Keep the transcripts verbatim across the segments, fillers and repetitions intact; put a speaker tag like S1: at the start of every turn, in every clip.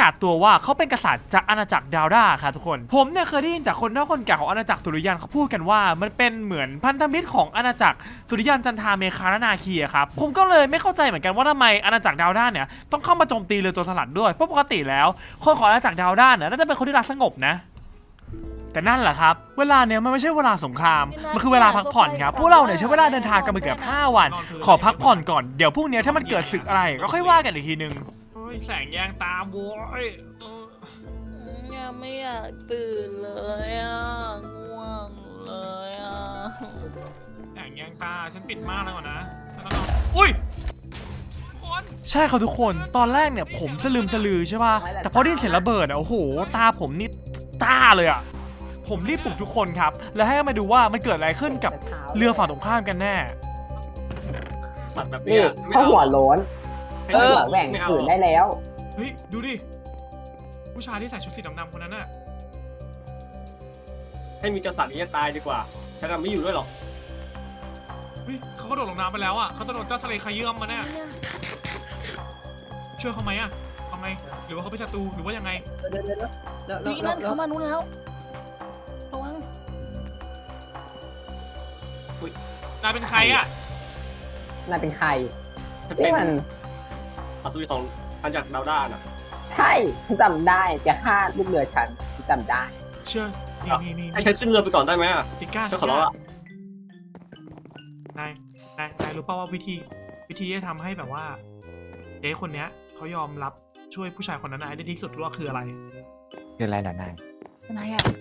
S1: าศตัวว่าเขาเป็นกษัตริย์จากอาณาจักรดาวดาครับทุกคนผมเนี่ยเคยได้ยินจากคนเฒ่าคนแก่ของอาณาจักรสุริยันเขาพูดกันว่ามันเป็นเหมือนพันธมิตรของอาณาจักรสุริยันจันทราเมคาและนาคีครับผมก็เลยไม่เข้าใจเหมือนกันว่าทำไมอาณาจักรดาวดาเนี่ยต้องเข้ามาโจมตีเรือตัวสลัดด้วยเพราะปกติแล้วคนของอาณาจักรดาวดาเนี่ยน่าจะเป็นคนที่รักสงบนะแต่นั่นแหละครับเวลาเนี่ยมันไม่ใช่เวลาสงครามมันคือเวลาพักผ่อนครับพวกเราเนี่ยใช้เวลาเดินทางกันมาเกือบห้าวันขอพักผ่อนก่อนเดี๋ยวพรุ่งนี้ถ้ามันเกิดศึกอะไรก็ค่อยว่ากันอีกทีนึงแสงแยงตาโว้ย
S2: ยังไม่อยากตื่นเลยอ่ะง่วงเลยอ่ะ
S1: แสงแยงตาฉันปิดมากแล้วนะแล้วก็อุ้ยใช่ครับทุกคนตอนแรกเนี่ยผมสลืมสลือใช่ป่ะแต่พอได้ยินเสียงระเบิดอ่ะโอ้โหตาผมนี่ตาเลยอ่ะผมรีบปลุกทุกคนครับแล้วให้มาดูว่ามันเกิดอะไรขึ้นกับเรือฝั่งตรงข้ามกันแน่
S3: นี่ถ้าหัวโล้นเออแหว่งขืนได้แล้ว
S1: เฮ้ยดูดิผู้ชายที่ใส่ชุดสีดำๆคนนั้นน่ะ
S4: ให้มีกษัตริย์นี้ตายดีกว่าฉันไม่อยู่ด้วยหรอก
S1: เฮ้ยเขาก็โดดลงน้ำไปแล้วอ่ะเขาจะโดนเจ้าทะเลขยื่มมาแน่ช่วยเขาไหมอ่ะทำไมหรือว่าเขาเป็นศัตรูหรือว่ายังไง
S2: นี่นั่นเขามานู้นแล้วระวัง
S1: นายเป็นใครอ่ะ
S3: นายเป็นใคร
S4: นี่มันอัศวินของอาณาจักรดาวด้าน่ะ
S3: ใช่ฉันจำได้แกฆ่าลูกเรือฉันฉันจำได้
S1: เชื่อนี่นี่
S4: ให้ฉันขึ้นเรือไปก่อนได้ไหมอ่ะ
S1: ติก้า
S4: ฉันขอร้องละ
S1: นายนายนายรู้ป่าวว่าวิธีวิธีที่จะทำให้แบบว่าเจ๊คนเนี้ยเขายอมรับช่วยผู้ชายคนนั้นได้ที่สุดว่าคืออะไร
S5: คืออะไรหรอนาย
S2: นายอ่ะ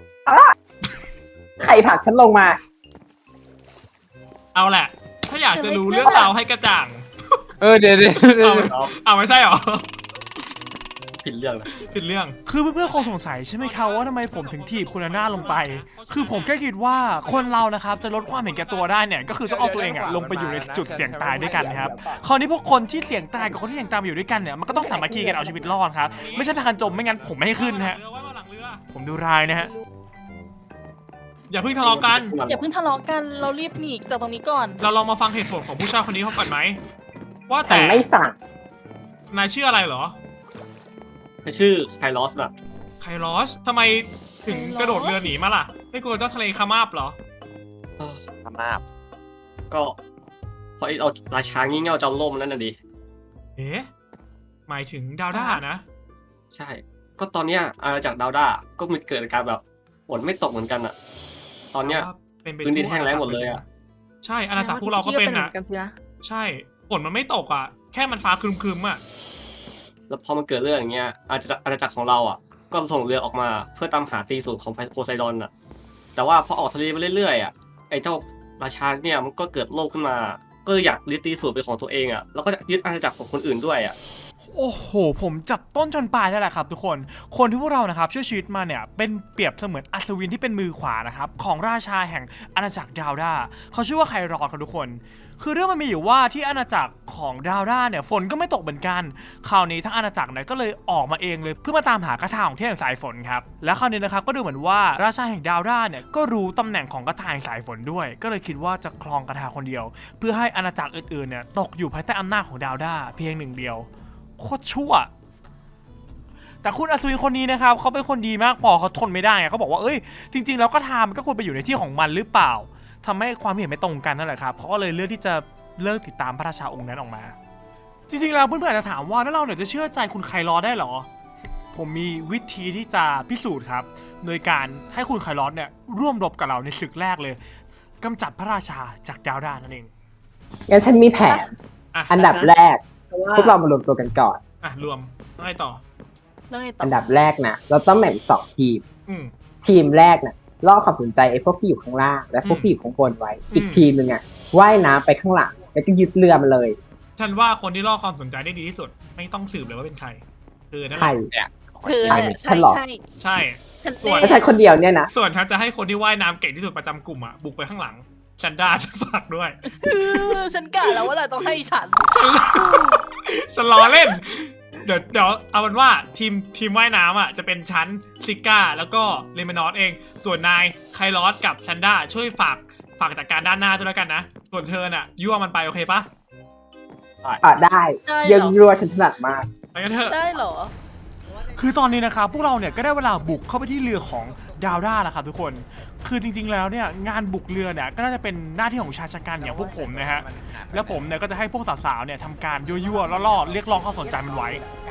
S3: ใครผลักฉันลงมา
S1: เอาแหละถ้าอยากจะรู้เรื่องราวให้กระจ่าง
S5: เออเดี๋ยวเดี๋ยว
S1: เอาเอาไม่ใช่หรอ
S4: ผิดเรื่องนะ
S1: ผิดเรื่องคือเพื่อนๆคงสงสัยใช่ไหมครับว่าทำไมผมถึงถีบคุณหน้าลงไปคือผมแค่คิดว่าคนเรานะครับจะลดความเห็นแก่ตัวได้เนี่ยก็คือต้องเอาตัวเองอะลงไปอยู่ในจุดเสี่ยงตายด้วยกันนะครับคราวนี้พวกคนที่เสี่ยงตายกับคนที่เสี่ยงตายมาอยู่ด้วยกันเนี่ยมันก็ต้องสามัคคีกันเอาชีวิตรอดครับไม่ใช่พากันจมไม่งั้นผมไม่ให้ขึ้นนะฮะผมดูรายนะฮะอย่าเพิ่งทะเลาะกัน
S2: อย่าเพิ่งทะเลาะกันเรารีบหนีจากตรงนี้ก่อน
S1: เราลองมาฟังเหตุผลของผู้ชายคนนี้เขาก่อนไหมว่าแต่
S3: ไม่ฟัง
S1: นายชื่ออะไรเหรอ
S4: ชื่อไคลอสน่ะ
S1: ไคลอสทำไมถึงกระโดดเรือหนีมาล่ะไม่กลัวเจ้าทะเลคามาบเหรอ
S5: คามาบ
S4: ก็เพราะเอาราชางี่เง่าจอมล่มนั่นน่ะดิ
S1: เอ๊ะหมายถึงดาวด้านะ
S4: ใช่ก็ตอนเนี้ยอาณาจักรดาวด้าก็มีเกิดการแบบฝนไม่ตกเหมือนกันอะตอนเนี้ยพื้นดินแห้งแล้งหมดเลยอะ
S1: ใช่อาณาจักรพวกเราก็เป็นอะใช่ฝนมันไม่ตกอะแค่มันฟ้าครึมๆอะ
S4: แล้วพอมันเกิดเรื่องอย่างเงี้ยอาณาจักรอาณาจักรของเราอ่ะก็ส่งเรือออกมาเพื่อตามหาตีสูตรของโพไซดอนอ่ะแต่ว่าพอออกทะเลไปเรื่อยๆอ่ะไอ้เจ้าราชาเนี่ยมันก็เกิดโลภขึ้นมาก็อยากยึดตีสูตรเป็นของตัวเองอ่ะแล้วก็ยึดอาณาจักรของคนอื่นด้วยอ่ะ
S1: โอ้โหผมจับต้นชนปลายได้แหละครับทุกคนคนที่พวกเรานะครับช่วยชีวิตมาเนี่ยเป็นเปรียบเสมือนอัศวินที่เป็นมือขวานะครับของราชาแห่งอาณาจักรดาวด้าเขาชื่อว่าไครอดครับทุกคนคือเรื่องมันมีอยู่ว่าที่อาณาจักรของดาวด้าเนี่ยฝนก็ไม่ตกเหมือนกันคราวนี้ทั้งอาณาจักรเนี่ยก็เลยออกมาเองเลยเพื่อมาตามหากระถางของเทพแห่งสายฝนครับและคราวนี้นะครับก็ดูเหมือนว่าราชาแห่งดาวด้าเนี่ยก็รู้ตำแหน่งของกระถางแห่งสายฝนด้วยก็เลยคิดว่าจะครองกระถางคนเดียวเพื่อให้อาณาจักรอื่นๆเนี่ยตกอยู่ภายใต้อำนาจของดาวด้าเพียงหนึ่งเดียวโคตรชั่วแต่คุณอัศวินคนนี้นะครับเขาเป็นคนดีมากพอเขาทนไม่ได้เขาบอกว่าเอ้ยจริงๆแล้วก็ทำมันก็ควรไปอยู่ในที่ของมันหรือเปล่าทำให้ความเห็นไม่ตรงกันนั่นแหละครับเขาก็เลยเลือกที่จะเลิกติดตามพระราชาองค์นั้นออกมาจริงๆแล้วเพื่อนๆอาจจะถามว่าแล้วเราเนี่ยจะเชื่อใจคุณไคลอสได้หรอผมมีวิธีที่จะพิสูจน์ครับโดยการให้คุณไคลอสเนี่ยร่วมรบกับเราในศึกแรกเลยกำจัดพระราชาจากดาวด้านั่นเอง
S3: งั้นฉันมีแผนอันดับแรกพวกเรามารวมตัวกันก่อน
S1: อ่ะรวมต้องให้ต่อ
S3: อันดับแรกนะเราต้องแบ่งสองทีมทีมแรกนะล่อความสนใจไอ้พวกที่อยู่ข้างล่างและพวกที่อยู่ข้างบนไว้อีกทีมนึงอ่ะว่ายน้ำไปข้างหลังแล้วก็ยึดเรือมาเลย
S1: ฉันว่าคนที่ล่อความสนใจได้ดีที่สุดไม่ต้องสืบเลยว่าเป็นใครคือนั่นแหละ
S3: เนี่ย
S2: คือใช่ใช่
S1: ใช่
S3: ส่วนใช่คนเดียวเนี่ยนะ
S1: ส่วนฉันจะให้คนที่ว่ายน้ำเก่งที่สุดประจำกลุ่มอ่ะบุกไปข้างหลังฉันด่าจะฝากด้วย
S2: ฉันกะแล้วว่าเราต้องให้ฉัน
S1: ฉันล้อเล่นเดี๋ยวเดี๋ยวเอาเป็นว่าทีมทีมว่ายน้ำอ่ะจะเป็นชั้นซิก้าแล้วก็เลมานอสเองส่วนนายไคลอสกับซันด้าช่วยฝากฝากจัดการด้านหน้าด้วยแล้วกันนะส่วนเธอน่ะยั่วมันไปโอเคปะ
S3: อ่ะได้ยังยั่วฉันถนัดมาก
S1: ไปกันเถอะ
S2: ได้เหรอ
S1: คือตอนนี้นะครับพวกเราเนี่ยก็ได้เวลาบุกเข้าไปที่เรือของดาวด้าแล้วครับทุกคนคือจริงๆแล้วเนี่ยงานบุกเรือเนี่ยก็น่าจะเป็นหน้าที่ของชายชะกันอย่างพวกผมนะฮะแล้วผมเนี่ยก็จะให้พวกสาวๆเนี่ยทำการยั่วๆล่อๆเรียกร้องความสนใจมันไว้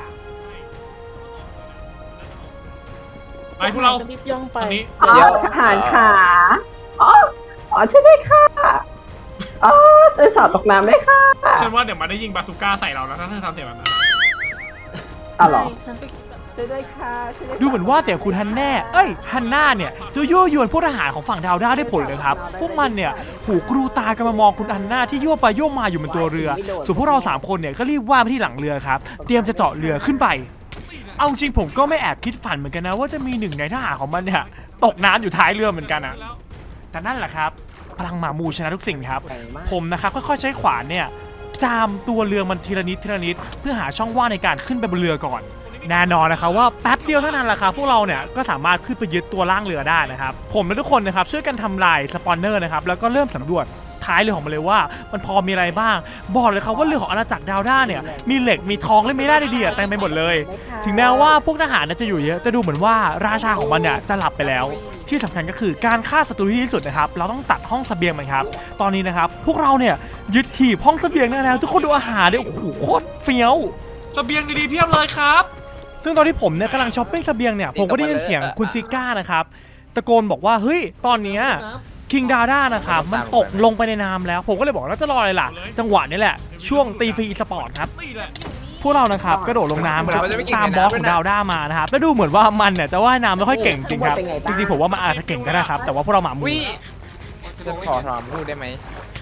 S1: ไปพวกเรา
S2: รีบย่องไป
S1: ตอนนี้
S3: อ๋อทหารขาอ๋ออ๋อช่วยด้วยค่ะอ๋อช่วยสาวตกน้ำด้วยค่ะ
S1: ฉันว่าเดี๋ยวมันได้ยิงบาซูก้าใส่เราแล้วถ้าเธอทำเสียงแบบนั้น
S3: อ๋อเหรอ
S2: ใช่ฉันก็คิดแบบ
S3: ช่วยด้วยค่ะช่วยด้วยค่ะ
S1: ดูเหมือนว่าเสียงคุณฮันแน่ เอ้ยฮันน่าเนี่ยจะยั่วยวนพวกทหารของฝั่งดาวด้าได้ผลเลยครับ พวกมันเนี่ยหูกรูตากันมามองคุณฮันน่าที่ยั่วไปยั่วมาอยู่บนตัวเรือ ส่วนพวกเราสามคนเนี่ยก็รีบว่ายไปที่หลังเรือครับ เตรียมจะเจาะเรือขึ้นไป เอาจริงผมก็ไม่แอบคิดฝันเหมือนกันนะว่าจะมีหนึ่งในทหารของมันเนี่ยตกน้ำอยู่ท้ายเรือเหมือนกันนะแต่นั่นแหละครับพลังหมามูชนะทุกสิ่งครับ ผมนะครับค่อยๆใช้ขวานเนี่ยจามตัวเรือมันทีละนิดทีละนิดเพื่อหาช่องว่างในการขึ้นไปบนเรือก่อน แน่นอนนะครับว่าแป๊บเดียวเท่านั้นแหละครับพวกเราเนี่ยก็สามารถขึ้นไปยึดตัวล่างเรือได้นะครับผมและทุกคนนะครับช่วยกันทำลายสปอนเนอร์นะครับแล้วก็เริ่มสำรวจท้ายเรือของมันเลยว่ามันพอมีอะไรบ้างบอกเลยครับว่าเรือของอาณาจักรดาวด้าเนี่ยมีเหล็กมีทองและมีได้ดีๆเต็มไปหมดเลย ถึงแม้ว่าพวกทหารจะอยู่เยอะจะดูเหมือนว่าราชาของมันเนี่ยจะหลับไปแล้วที่สำคัญก็คือการฆ่าศัตรูที่ดีที่สุดนะครับเราต้องตัดห้องเสบียงมันครับตอนนี้นะครับพวกเราเนี่ยยึดหีบห้องเสบียงได้แล้วทุกคนดูอาหารเนี่ยโอ้โหโคตรเฟี้ยวเสบียงดีๆเพียบเลยครับซึ่งตอนที่ผมเนี่ยกำลังช้อปปิ้งเสบียงเนี่ยผมก็ได้ยินเสียงคุณซิก้านะครับตะโกนบอกว่าเฮ้ยตอนเนี้ยคิงดาด้านะครับมันตกลงไปในน้ำแล้วผมก็เลยบอกแล้วจะรออะไรล่ะจังหวะนี้แหละช่วงตีฟรีสปอร์ตครับพวกเรานะครับกระโดดลงน้ำครับตามบอสของดาวด้ามานะครับแล้วดูเหมือนว่ามันเนี่ยจะว่ายน้ำไม่ค่อยเก่งจริงครับจริงๆผมว่ามันอาจจะเก่งก็ได้ครับแต่ว่าพวกเราหมาหมู
S5: วิฉันขอถามพูดได้ไหม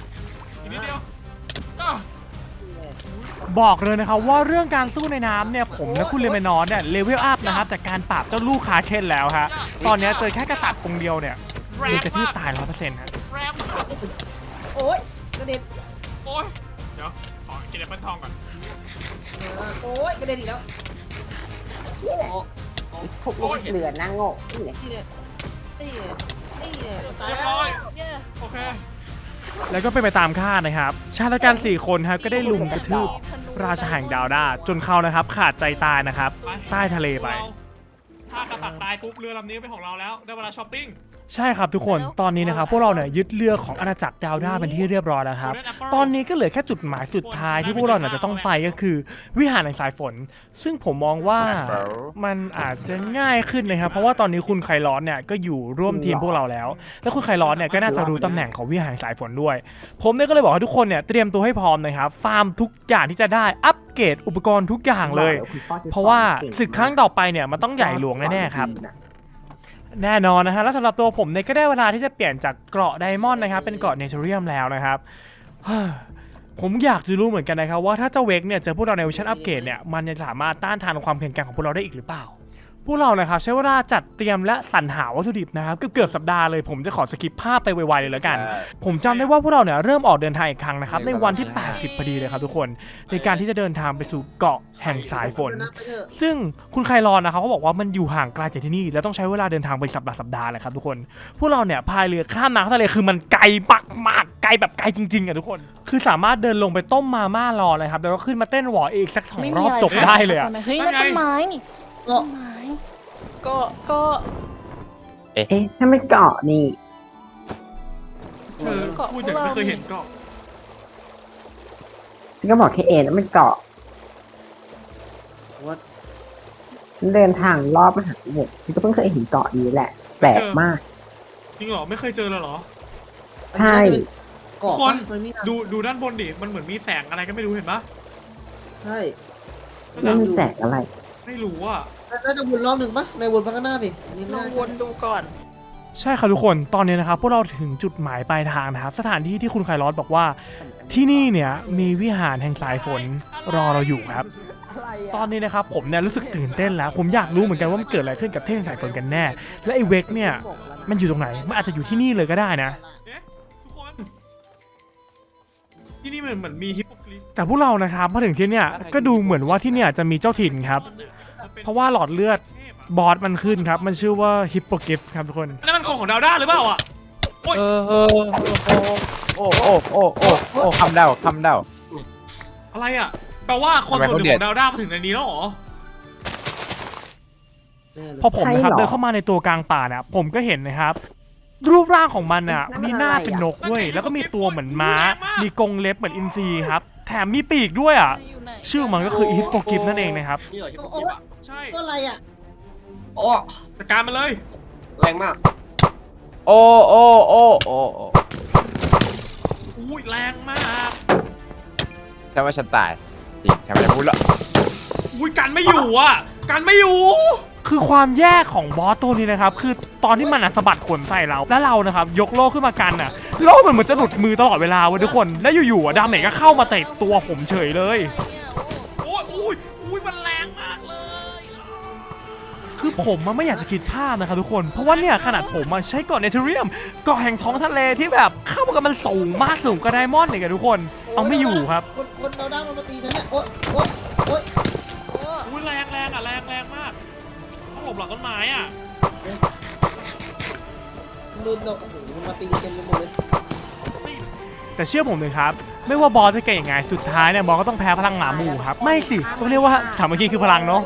S1: บอกเลยนะครับว่าเรื่องการสู้ในน้ำเนี่ยผมและคุณเลเมนอนเนี่ยเลเวลอัพนะครับจากการปราบเจ้าลูกคาเคนแล้วฮะตอนนี้เจอแค่กษัตริย์องค์เดียวเนี่ยเดือจะที่ตายร้อยเปอร์เซ็นต์ฮะ
S6: โอ๊ยกระเด็น
S1: โอ้ยเดี๋ยวขอกินแอปเปิลทองก่อน
S6: เออโอ๊ยกระเด็นอีกแล้ว
S3: นี่แหละพวกลูกเรือนั่งโง่นี่แหละ
S6: นี่เนี่ยนี่เนี่ยนี่เนี่ยตาย
S1: เรียบ
S6: แล้ว
S1: ร้อยโอเคแล้วก็เป็นไปตามคาดนะครับชายละกันสี่คนครับก็ได้ลุมกระทืบราชาแห่งดาวด้าจนเขานะครับขาดใจตายนะครับใต้ทะเลไป ถ้ากษัตริย์ตายปุ๊บเรือลำนี้เป็นของเราแล้วได้เวลาช้อปปิ้งใช่ครับทุกคนตอนนี้นะครับพวกเราเนี่ยยึดเรือของอาณาจักรดาวด้าเป็นที่เรียบร้อยแล้วครับตอนนี้ก็เหลือแค่จุดหมายสุดท้ายที่พวกเราเนี่ยจะต้องไปก็คือวิหารแห่งสายฝนซึ่งผมมองว่ามันอาจจะง่ายขึ้นเลยครับเพราะว่าตอนนี้คุณไคลอนเนี่ยก็อยู่ร่วมทีมพวกเราแล้วและคุณไคลอนเนี่ยก็น่าจะรู้ตำแหน่งของวิหารแห่งสายฝนด้วยผมเนี่ยก็เลยบอกให้ทุกคนเนี่ยเตรียมตัวให้พร้อมนะครับฟาร์มทุกอย่างที่จะได้อัปเกรดอุปกรณ์ทุกอย่างเลย เพราะว่าศึกครั้งต่อไปเนี่ยมันต้องใหญ่หลวงแน่ๆครับแน่นอนนะฮะแล้วสำหรับตัวผมเนี่ยก็ได้เวลาที่จะเปลี่ยนจากเกราะไดมอนด์นะครับเป็นเกราะเนเธอเรียมแล้วนะครับผมอยากจะรู้เหมือนกันนะครับว่าถ้าเจ้าเวกเนี่ยเจอพวกเราในเวอร์ชันอัปเกรดเนี่ยมันจะสามารถต้านทานความแข็งแกร่งของพวกเราได้อีกหรือเปล่าพวกเรานะครับใช้เวลาจัดเตรียมและสรรหาวัตถุดิบนะครับเกือบๆสัปดาห์เลยผมจะขอสกิปภาพไปไวๆเลยแล้วกันผมจำได้ว่าพวกเราเนี่ยเริ่มออกเดินทางอีกครั้งนะครับในวันที่แปดสิบพอดีเลยครับทุกคนในการที่จะเดินทางไปสู่เกาะแห่งสายฝนซึ่งคุณไคลอนนะครับเขาบอกว่ามันอยู่ห่างไกลจากที่นี่แล้วต้องใช้เวลาเดินทางไปสัปดาห์สัปดาห์เลยครับทุกคนพวกเราเนี่ยพายเรือข้ามน้ำทะเลคือมันไกลมากๆไกลแบบไกลจริงๆอ่ะทุกคนคือสามารถเดินลงไปต้มมาม่ารอเลยครับแล้วก็ขึ้นมาเต้นหวออีกสักสองรอบจบได้เลยอ่ะ
S2: เฮ้ยนั่นต้นไม้นี่
S6: เกาะ
S2: ต้นไม้ก็ก็
S3: เอ๊ะถ้าไม่เกาะนี่
S1: เออพูดอย่างไม่เคยเห็นเกาะ
S3: ฉันก็บอกแค่เอ็นแล้วมันเกาะ
S6: ว่า
S3: ฉันเดินทางรอบมหาสมุทรฉันก็เพิ่งเคยเห็นเกาะนี้แหละ แปลกมาก
S1: จริงเหรอไม่เคยเจอเลยเหรอ
S3: ใช่
S6: เกาะ
S1: คน
S6: มันมี
S1: ดูดูด้านบนดิมันเหมือนมีแสงอะไรก็ไม่รู้เห็นปะ
S6: ใช่
S3: นั่นมันแสงอะไร
S1: ไม่รู้อ่ะ
S6: น่าจะวนรอบหนึ่งปะในวนพักหน้าสินี่
S2: ล
S6: น่า
S2: อง
S6: จะ
S2: วนดูก่อน
S1: ใช่ครับทุกคนตอนนี้นะครับพวกเราถึงจุดหมายปลายทางนะครับสถานที่ที่คุณไคลอสบอกว่าที่นี่เนี่ยมีวิหารแห่งสายฝนรอเราอยู่ครับ ตอนนี้นะครับผมเนี่ยรู้สึกตื่นเต้นแล้ว ผมอยากรู้เหมือนกันว่ามันเกิดอะไรขึ้นกับเท่งสายฝนกันแน่ และไอ้เวกเนี่ยมันอยู่ตรงไหนมันอาจจะอยู่ที่นี่เลยก็ได้นะทุกคนที่นี่เหมือนเหมือนมีฮิปโปคลิสแต่พวกเรานะครับมาถึงที่เนี่ยก็ดูเหมือนว่าที่เนี่ยจะมีเจ้าถิ่นครับเพราะว่าหลอดเลือดบอสมันขึ้นครับมันชื่อว่าฮิปโปกิฟครับทุกคนนั่นมันของของดาวด้าหรือเปล่าอ่ะ
S5: เออเออโอ้โอ้โอ้โอ้โอ้คำเดาคำเดา
S1: อะไรอ่ะแปลว่าคนส่วนหนึ่งของดาวด้ามาถึงในนี้แล้วเหรอ
S6: แน่เลย
S1: พอผมนะครับ
S3: ใช่เหรอ
S1: เดินเข้ามาในตัวกลางป่าเนี่ยผมก็เห็นนะครับ รูปร่างของมันอ่ะมีหน้าเป็นนกเว้ยแล้วก็มีตัวเหมือนม้า มีกรงเล็บเหมือนอินทรีครับแถมมีปีกด้วยอ่ะ
S2: อยู่ไหน
S1: ชื่อมันก็คืออีฟโปกิฟนั่นเองนะครับ
S4: นี่เหรอที่ผมคิดอ่ะ
S1: ใช่
S6: ก็อะไรอ่ะ
S4: โอ้
S1: จัดการมันเลย
S4: แรงมาก
S5: โอ้โอ้โอ้โอ้โอ้
S1: อุ้ยแรงมาก
S5: ใช่ว่าฉันตายจริงทำไมจะพูดละ
S1: อุ้ยกันไม่อยู่อ่ะกันไม่อยู่ คือความแย่ของบอสตัวนี้นะครับคือตอนที่มันอะสะบัดขนใส่เราแล้วเรานะครับยกโล่ขึ้นมากันอ่ะโล่มันเหมือนจะหลุดมือตลอดเวลาเว้ยทุกคนแล้วอยู่ๆอะดาเมจก็เข้ามาเตะตัวผมเฉยเลย โอ้ยอุ้ยอุ้ยมันแรงมากเลย คือผมมันไม่อยากจะคิดภาพนะครับทุกคน เพราะว่าเนี่ยขนาดผมอะใช้เกาะเนเธอเรียมเกาะแห่งท้องทะเลที่แบบเข้ามากันมันสูงมากสูงกว่าไดมอนด์เนี่ยกันทุกคน เอาไม่อยู่ครับ
S6: คนคนเราด้ามันมาตีฉันเนี่ยโอ๊ยโอ๊ยโอ๊ย
S2: โอ้
S1: อุ้ยแรงแรงอ่ะแรงแรงมากต้องหลบหลังต้นไม้อ่ะ
S6: มันโดนเราโอ้โหมันมาตีเต็มไปหมดเลย
S1: แต่เชื่อผมเลยครับ ไม่ว่าบอสจะเก่งยังไงสุดท้ายเนี่ยบอสก็ต้องแพ้พลังหมาหมู่ครับ ไม่สิต้องเรียกว่าสามัคคีคือพลังเนาะ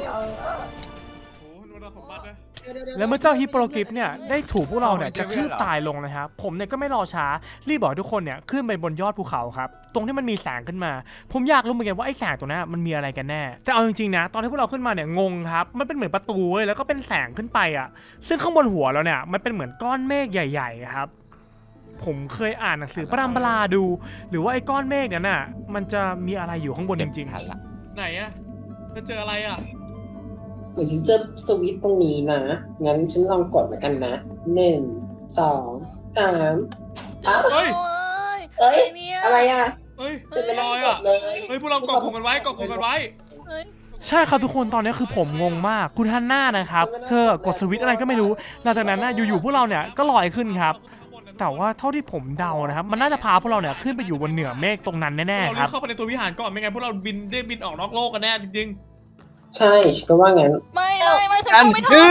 S1: แล้วเมื่อเจ้าฮิปโปกิฟเนี่ยได้ถูกพวกเราเนี่ยจะทืบตายลงนะครับผมเนี่ยก็ไม่รอช้ารีบบอกให้ทุกคนเนี่ยขึ้นไปบนยอดภูเขาครับตรงที่มันมีแสงขึ้นมา ผมอยากรู้เหมือนกันว่าไอ้แสงตรงนั้นมันมีอะไรกันแน่แต่เอาจริงๆนะตอนที่พวกเราขึ้นมาเนี่ยงงครับมันเป็นเหมือนประตูเว้ยแล้วก็เป็นแสงขึ้นไปอ่ะซึ่งข้างบนหัวเราเนี่ยมันเป็นเหมือนก้อนเมฆใหญ่ๆครับผมเคยอ่านหนังสือปรัมปราดู หรือว่าไอ้ก้อนเมฆนั้นน่ะมันจะมีอะไรอยู่ข้างบนจริง
S5: ทันละ
S1: ๆไหนอะจะเจออะไรอะ
S3: เหมือนฉันเจอสวิตช์ตรงนี้นะ งั้นฉันลองกดเหมือนกันนะหนึ่งสองสามอ้าว
S1: เฮ้ย
S3: เอ้ย
S2: ไเนี่ย
S3: อะไรอ่ะ
S1: เฮ้ย
S3: ฉันไม่ได้
S1: ลอย
S3: ก
S1: อะ
S3: ดเลย
S1: เฮ้ยพวกเราเกาะกลุ่มกันไว้เกาะกลุ่มกันไว้
S2: เฮ้ย
S1: ใช่ครับทุกคนตอนนี้คือผมงงมากคุณฮันน่านะครับเธอกดสวิตช์อะไรก็ไม่รู้หลังจากนั้นนะอยู่ๆพวกเราเนี่ยก็ลอยขึ้นครับแต่ว่าเท่าที่ผมเดานะครับมันน่าจะพาพวกเราเนี่ยขึ้นไปอยู่บนเหนือเมฆตรงนั้นแน่ๆครับเราเข้าไปในตัววิหารก่อนไม่งั้นพวกเราบินได้บินออกนอกโลกกันแน่จริง
S3: ใช่ฉันก็ว่างั้น
S2: ไม่ไม่ไม่ฉัน
S5: กัน
S2: ก็ไม่
S5: คื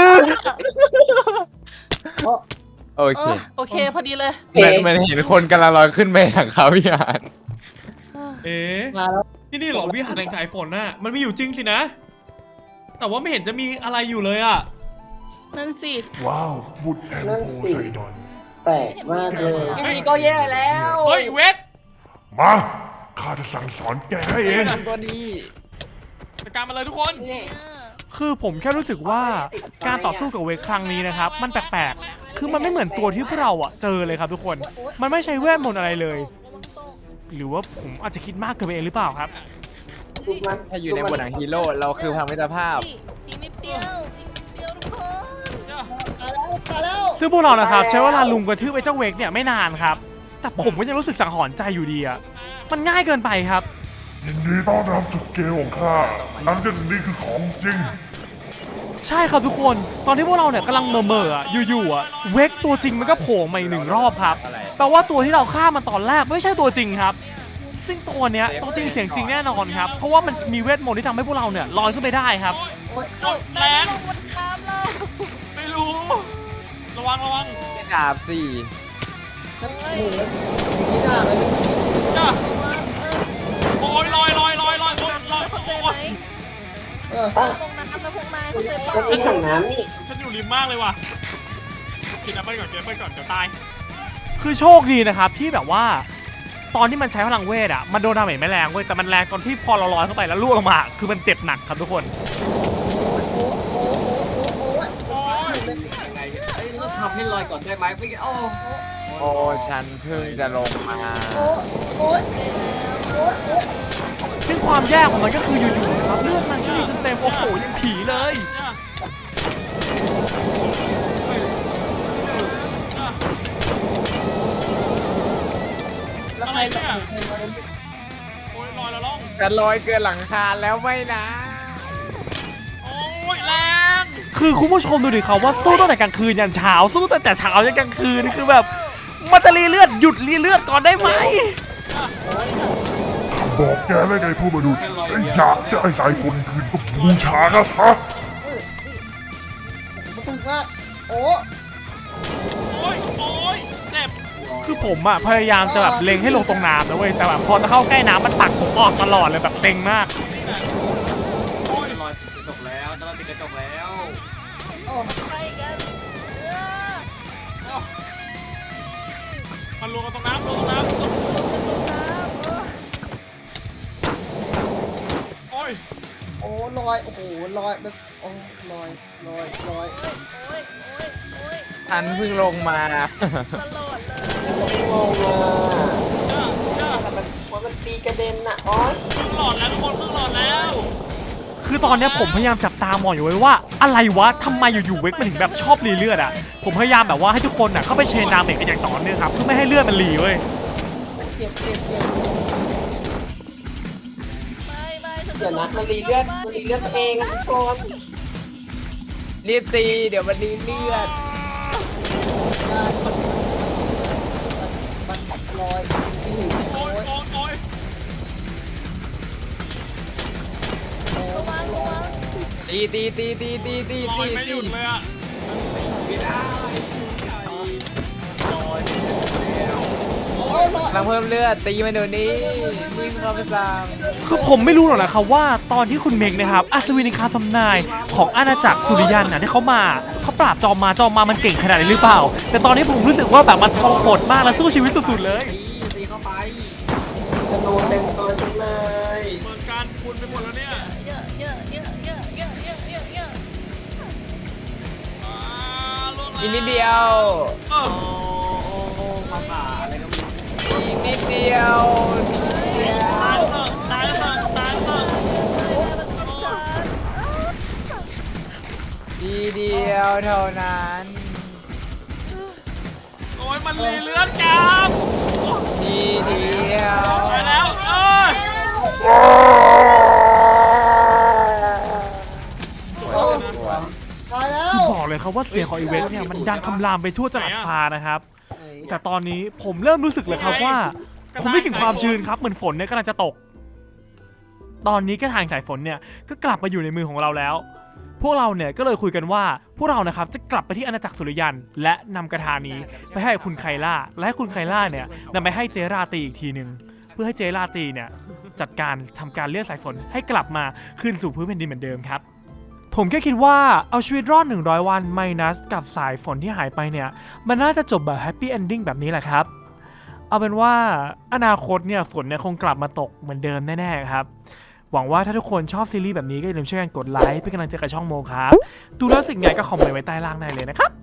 S2: ทัน
S5: อโอ
S2: เอ
S5: เค
S2: อโอเคพอดีเลย
S3: เอ๊ะ
S5: เหมือนเห็นคนกำลังลอยขึ้นไปทางเขาวิหาร
S1: ๆเอ๊ะ
S6: มาแล้ว
S1: ที่นี่เหรอวิหารแห่งสายฝนน่ะมันมีอยู่จริงสินะ แต่ว่าไม่เห็นจะมีอะไรอยู่เลยอ่ะ
S2: นั่นสิ
S7: ว้าว บุตรแห่ง
S3: นั่น
S7: โพ
S3: สิ
S7: ไซดอน
S3: แปลกมากเลย
S4: อันนี้ก็แย่แล้ว
S1: เฮ้ยเวท
S7: มา ข้าจะสั่งสอนแกให้เอง
S5: ตัวนี้
S1: จัดการมาเลยทุกคน คือผมแค่รู้สึกว่าการต่อสู้กับเวทครั้งนี้นะครับมันแปลกๆคือมันไม่เหมือนตัวที่พวกเราอ่ะเจอเลยครับทุกคน มันไม่ใช่เวทมนต์อะไรเลย หรือว่าผมอาจจะคิดมากเกินไปเองหรือเปล่าครับ
S3: ลูกมัน
S5: ถ้าอยู่ในบทหนังฮีโร่เราคือพลังมิตรภาพ
S2: อีกอีกนิดเดียวอีกนิดเดียวทุกคน
S6: ตายแล้วตายแล้ว
S1: ซึ่งพวกเรานะครับใช้เวลาลุมกระทืบไอ้เจ้าเวกเนี่ยไม่นานครับ แต่ผมก็ยังรู้สึกสังหรณ์ใจอยู่ดีอะมันง่ายเกินไปครับ
S7: ยินดีต้อนรับสู่เกมของข้าหลังจากนี้คือของจริง
S1: ใช่ครับทุกคนตอนที่พวกเราเนี่ยกำลังเม่อๆอะอยู่ๆอะเวกตัวจริงมันก็โผล่มาอีกหนึ่งรอบครับ
S5: อะไร
S1: แปลว่าตัวที่เราฆ่ามันตอนแรกไม่ใช่ตัวจริงครับ ซึ่งตัวเนี้ยตัวจริงเสียงจริงแน่นอนครับเพราะว่ามันมีเวทมนต์ที่ทำให้พวกเราเนี่ยลอยขึ้นไปได้ครับ
S6: โอ๊ย
S1: แรง
S2: ลงมันตามเรา
S1: ไม่รู้ ระวังระวัง
S5: ไม่ดาบสี่
S6: ฉันโอ้โหนี่ด่าเลย
S1: จ้า
S2: เออ
S1: โอ้ยลอยลอยลอยลอยลอยลอย
S2: เข้าใจไหม
S6: เออ
S2: ตรงนั้นนะพวกนายเข้าใจเป
S3: ก็
S2: ล่า
S3: ที่ถังน้ำนี่
S1: ฉันอยู่ริมมากเลยว่ะกินแอปเปิ้ลก่อนกินแอปเปิ้ลก่อนเดี๋ยวตาย คือโชคดีนะครับที่แบบว่า ตอนที่มันใช้พลังเวทอ่ะมันโดนดาเมจไม่แรงเว้ยแต่มันแรงตอนที่พอเราลอยเข้าไปแล้วล่วงลงมาคือมันเจ็บหนักครับทุกคน
S6: โอ้โหโอ้โหโอ้โห
S1: โอ้ย
S4: ยังไงไอ้เราทำให้ลอยก่อนได้ไหมไม่งั้นโอ้
S5: โอ้ฉันเพิ่งจะลงมา
S6: โอ้โอ้ย
S1: ซึ่งความแย่ของมันก็คืออยู่ๆนะครับเลือดมันก็มีจนเต็มโอ้โหยังผีเลยอะไรเนี่ยโอ้ยลอยแล้วล่อง
S5: จะลอยเกินหลังคาแล้วไม่นะ
S1: โอ้ยแรงคือคุณผู้ชมดูดิครับว่าสู้ตั้งแต่กลางคืนยันเช้าสู้ตั้งแต่เช้ายันกลางคืนคือแบบมันจะรีเลือดหยุดรีเลือดก่อนได้ไหม
S7: บอกแกแล้วไงผู้มนุษย์ไอ้อยากจะไอ้สายฝนคืนก็บูชานะซะ
S6: เออนี่มันถึงว่าโอ้
S1: โอ้ยโอ้ยเจ็บคือผมอะพยายามจะแบบเล็งให้ลงตรงน้ำนะเว้ยแต่แบบพอจะเข้าใกล้น้ำมันปักผมออกตลอดเลยแบบเต็งมาก
S4: โอ้ยลอยติดกระจกแล้วจะลอยติดกระจกแล้ว
S6: โอ้
S2: ไปกันเออ
S1: มันรวมกันตรงน้ำรวมตรงน้ำโอ้ย
S6: โอ้ลอยโอ้โหลอยมันโอ้ลอยลอยลอย
S2: โอ้ยโอ้ยโอ้ยโอ้ย
S5: ฉันเพิ่งลงมา
S2: ตลอดเลย
S3: งงอ่ะ
S1: จ้าจ้า
S3: แต่มันมันตีกระเด็นอ่ะอ๋อ
S1: ครึ่งหลอดแล้วทุกคนครึ่งหลอดแล้ว คือตอนเนี้ยผมพยายามจับตามองอยู่ไว้ว่าอะไรวะทำไมอยู่ๆเวกมันถึงแบบชอบรีเลือดอ่ะผมพยายามแบบว่าให้ทุกคนอ่ะเข้าไปเชนดามเมจกันอย่างต่อเนื่องครับเพื่อไม่ให้เลือดมันรีเว้ย
S6: เจ็บเจ็บเจ็บ
S2: ไม่ไม่ฉัน
S3: เดี๋ยวนะมันรีเลือดมันรีเลือดตัวเองอะทุกคน
S5: รีบตี เดี๋ยวมันรีเลือด
S6: มันลอย
S1: โอ้ยโอ้ยโอ้ย
S2: ระวังระวัง
S5: ตีตีตีตีตีตี
S1: ลอ
S5: ตี
S1: ยไม่ห
S5: ตี
S1: ยุดเลยอ่ะ
S6: โอ้ลอย
S5: กำลังเพิ่มเลือด ตีมันเดี๋ยวนี้รีบเข้าไปสั่ง
S1: คือผมไม่รู้หรอกนะครับว่าตอนที่คุณเมกนะครับอัศวินในคาทำนายของอาณาจักรสุริยันน่ะที่เขามาเขาปราบจอมมาจอมมามันเก่งขนาดนี้หรือเปล่า แต่ตอนนี้ผมรู้สึกว่าแบบมันทรหดมากและสู้ชีวิตสุดๆเลย
S4: ตีเข้าไป
S3: ธนูเต็มตัวฉันเลย
S1: เหมือนกันคุณไปหมดแล้วเนี่ย
S2: เยอะเยอะเยอะเยอะเยอะเยอะเยอะเยอะ
S5: อีกนิดเดียว
S1: เออ
S4: โอ้มาป่าอะไรก็ไม่รู้
S5: อีกนิดเดียวนิดเดียว
S1: ตายเถอะตายเถอะตายเถอะ
S5: ทีเดียวเท่านั้น
S1: โอ้ยมันรีเลือดกัน
S5: ทีเดียว
S1: ไปแล้วเออ
S6: โอ้ตายแล้ว
S1: บอกเลยครับว่าเสียงของอีเวนต์เนี่ยมันดังคำรามไปทั่วจังหวัดฟ้านะครับ แต่ตอนนี้ผมเริ่มรู้สึกเลยครับว่า ผมไม่ถึงความชื้นครับเหมือนฝนเนี่ยกำลังจะตก ตอนนี้กระถางสายฝนเนี่ยก็กลับมาอยู่ในมือของเราแล้ว พวกเราเนี่ยก็เลยคุยกันว่าพวกเรานะครับจะกลับไปที่อาณาจักรสุริยัน และนำกระทานี้ไปให้คุณไคล่าและให้คุณไคล่าเนี่ยนำไปให้เจราตีอีกทีหนึ่งเพื่อให้เจราตีเนี่ยจัดการทำการเลื่อนสายฝนให้กลับมาคืนสู่พื้นแผ่นดินเหมือนเดิมครับ ผมแค่คิดว่าเอาชีวิตรอดหนึ่งร้อยวันไมนัสกับสายฝนที่หายไปเนี่ยมันน่าจะจบแบบแฮปปี้เอนดิ้งแบบนี้แหละครับ เอาเป็นว่าอนาคตเนี่ยฝนเนี่ยคงกลับมาตกเหมือนเดิมแน่ๆครับหวังว่าถ้าทุกคนชอบซีรีส์แบบนี้ก็อย่าลืมช่วยกันกดไลค์เป็นกำลังใจกับช่องโมครับดูแล้วสิ่งไงก็คอมเมนต์ไว้ใต้ล่างได้เลยนะครับ